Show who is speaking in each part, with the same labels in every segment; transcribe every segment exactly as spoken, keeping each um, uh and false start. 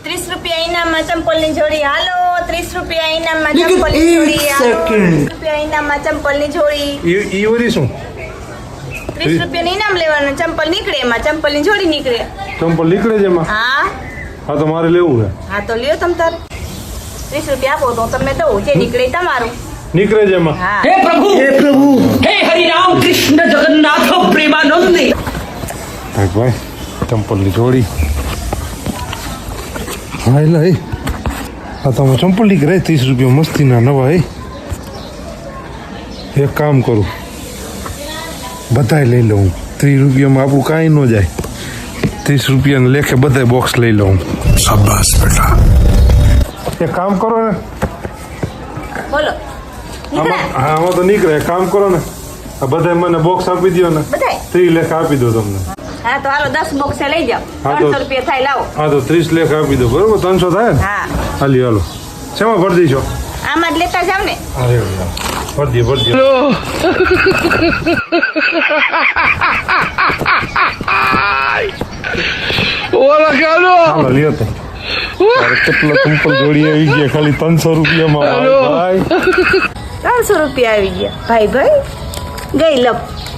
Speaker 1: ત્રીસ રૂપિયા ઇનામમાં ચંપલની જોડી હાલો. ત્રીસ રૂપિયા ઇનામમાં ચંપલની જોડી હાલો. ત્રીસ રૂપિયા ઇનામમાં ચંપલની જોડી.
Speaker 2: ઈ ઈ વરી શું?
Speaker 1: ત્રીસ રૂપિયાનું ઇનામ લેવાનું, ચંપલ નીકળે એમાં, ચંપલની જોડી નીકળે.
Speaker 2: ચંપલ નીકળે છે એમાં?
Speaker 1: હા
Speaker 2: હા તો મારે લેવું છે.
Speaker 1: હા તો લ્યો તમ તાર. ત્રીસ રૂપિયા આપો તો તમને દઉં, જે નીકળે તમારું.
Speaker 2: નીકળે છે એમાં?
Speaker 1: હા.
Speaker 3: हे प्रभु हे प्रभु हे हरि राम कृष्ण जगन्नाथ प्रेमानंद।
Speaker 2: ભાઈ ભાઈ ચંપલની જોડી. હા એટલે એ આ તમે ચંપલ નીકળે ત્રીસ રૂપિયા મસ્તીના નવા. એ એક કામ કરું, બધાય લઈ લઉં. ત્રીસ રૂપિયામાં આપણું કાંઈ ન જાય. ત્રીસ રૂપિયાને લેખે બધાય બોક્સ લઈ લઉં. શાબાશ બેટા. એક કામ કરો ને,
Speaker 1: બોલો નીકળે
Speaker 2: આમાં હા આમાં તો નીકળે. એક કામ કરો ને, આ બધાય મને બોક્સ આપી દો ને,
Speaker 1: બધાય.
Speaker 2: ત્રીસ લેખ આપી દો તમને.
Speaker 1: હા તો હાલો દસ બોક્સ લઈ જાઓ.
Speaker 2: હા તો-
Speaker 1: ત્રણસો રૂપિયા થાય, લાવો.
Speaker 2: હા તો ત્રીસ લેખ આપી દો. બરોબર? ત્રણસો થાય ને?
Speaker 1: હા
Speaker 2: હાલી હાલો. શેમાં ભરી દઈશો?
Speaker 1: આમાં જ લેતા જાવ ને.
Speaker 2: અરે ભરી દે ભરી દે. હાલો લ્યો તો. તારે કેટલા ચંપલ જોડી આવી ગયા ખાલી ત્રણસો રૂપિયામાં. ભાઈ
Speaker 1: ત્રણસો રૂપિયા આવી ગયા. ભાઈ ભાઈ ગઈ લપ.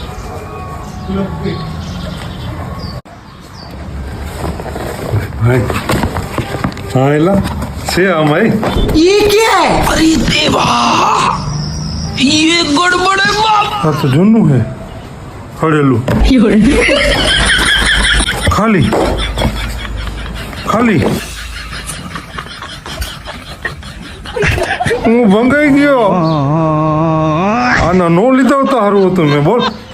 Speaker 2: ભાઈ હા એલા છે આમાં.
Speaker 3: ये क्या है? अरे देवा ये गड़बड़ है बाप।
Speaker 2: આ તો જૂનું હે, હળેલું. ખાલી ખાલી હું ભંગાઈ ગયો. આના નો લીધા તો સારું હતું મેં. બોલ